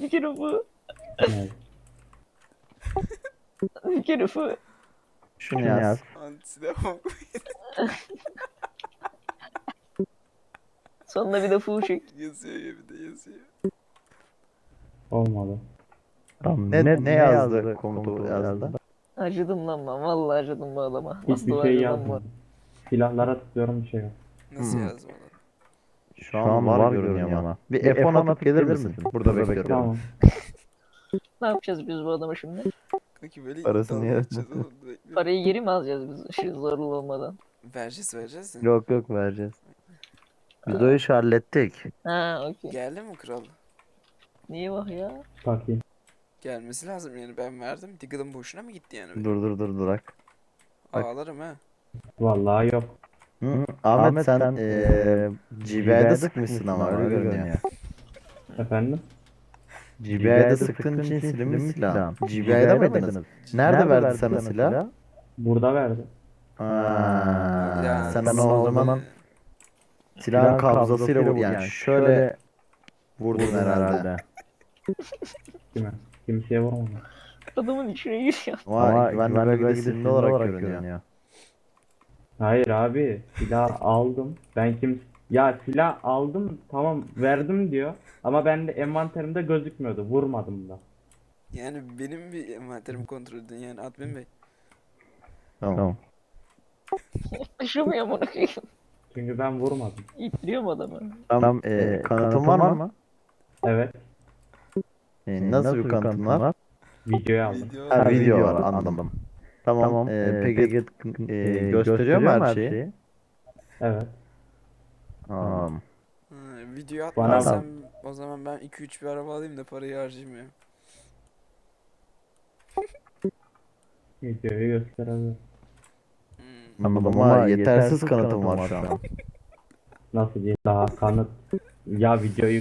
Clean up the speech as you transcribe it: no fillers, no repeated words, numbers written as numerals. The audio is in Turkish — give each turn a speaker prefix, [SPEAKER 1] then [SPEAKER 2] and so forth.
[SPEAKER 1] Bir kere bu.
[SPEAKER 2] Evet.
[SPEAKER 1] Bir kere bu.
[SPEAKER 3] Şunu yaz.
[SPEAKER 4] Antidemok.
[SPEAKER 1] Sonuna bir de fu çek.
[SPEAKER 4] Yazıyor ya, bir de yazıyor.
[SPEAKER 2] Olmadı.
[SPEAKER 3] Tamam, ne yazdı komutu yazdı?
[SPEAKER 1] Acıdım lan ben. Vallahi acıdım bu adama. Nasıl
[SPEAKER 2] Hiçbir şey
[SPEAKER 1] acıdım bu?
[SPEAKER 2] yazmadım. Silahlara tıklıyorum, bir şey yok.
[SPEAKER 4] Nasıl yazmalı?
[SPEAKER 3] Şu an var görünüyor ama. Bir F10 atıp gelir misin? Burada bekliyorum.
[SPEAKER 2] Tamam.
[SPEAKER 1] Ne yapacağız biz bu adama şimdi?
[SPEAKER 4] Kanki böyle
[SPEAKER 3] Parasını
[SPEAKER 4] dalga
[SPEAKER 3] yer.
[SPEAKER 4] geçeceğiz oğlum. Bekle.
[SPEAKER 1] Parayı geri mi alacağız biz? Şu zorlu olmadan.
[SPEAKER 4] Vereceğiz de.
[SPEAKER 3] Yok vereceğiz. Biz o işi hallettik.
[SPEAKER 1] Ha okey.
[SPEAKER 4] Geldi mi kral?
[SPEAKER 1] Niye bak ya?
[SPEAKER 2] Bakayım.
[SPEAKER 4] Gelmesi lazım yani, ben verdim. Diggle'ın boşuna mı gitti yani?
[SPEAKER 3] Dur durak. bak.
[SPEAKER 4] Ağlarım ha.
[SPEAKER 2] Vallahi yok.
[SPEAKER 3] Ahmet sen GBI'de sıkmışsın ama öyle görünüyor.
[SPEAKER 2] Efendim?
[SPEAKER 3] GBI'de sıktığın için silinmiş silahın. GBI'de miydiniz? Nerede verdi sana silah?
[SPEAKER 2] Burada verdi.
[SPEAKER 3] Sen o zaman silahın kabzasıyla vurdun. Yani şöyle vurdun herhalde.
[SPEAKER 2] Kime? Kimseye vurmadım.
[SPEAKER 1] Adamın içine giriyor.
[SPEAKER 3] Ama güvenli bölgede silinli olarak görünüyor.
[SPEAKER 2] Hayır abi. Silah aldım. Ya silah aldım, tamam verdim diyor. Ama ben de envanterimde gözükmüyordu. Vurmadım da.
[SPEAKER 4] Yani benim bir envanterimi kontrol edin yani admin bey.
[SPEAKER 3] Tamam.
[SPEAKER 1] Taşımıyor bunu koyayım.
[SPEAKER 2] Çünkü ben vurmadım.
[SPEAKER 1] İttiriyor mu adamı?
[SPEAKER 3] Tamam, kanıtın var mı?
[SPEAKER 2] Evet.
[SPEAKER 3] Nasıl bir kanıtın var?
[SPEAKER 2] Videoyu aldım.
[SPEAKER 3] Ha, video var, anladım. Tamam, peki gösteriyor mu her şeyi?
[SPEAKER 2] Evet.
[SPEAKER 3] Tamam.
[SPEAKER 4] Ha, video
[SPEAKER 2] Bana
[SPEAKER 4] atmazsam o zaman ben 2-3 bir araba alayım da parayı harcayayım ya.
[SPEAKER 2] Videoyu gösterebilirim.
[SPEAKER 3] Anladım ama yetersiz kanıtım var şu an.
[SPEAKER 2] Nasıl diyeyim, daha kanıt. Ya videoyu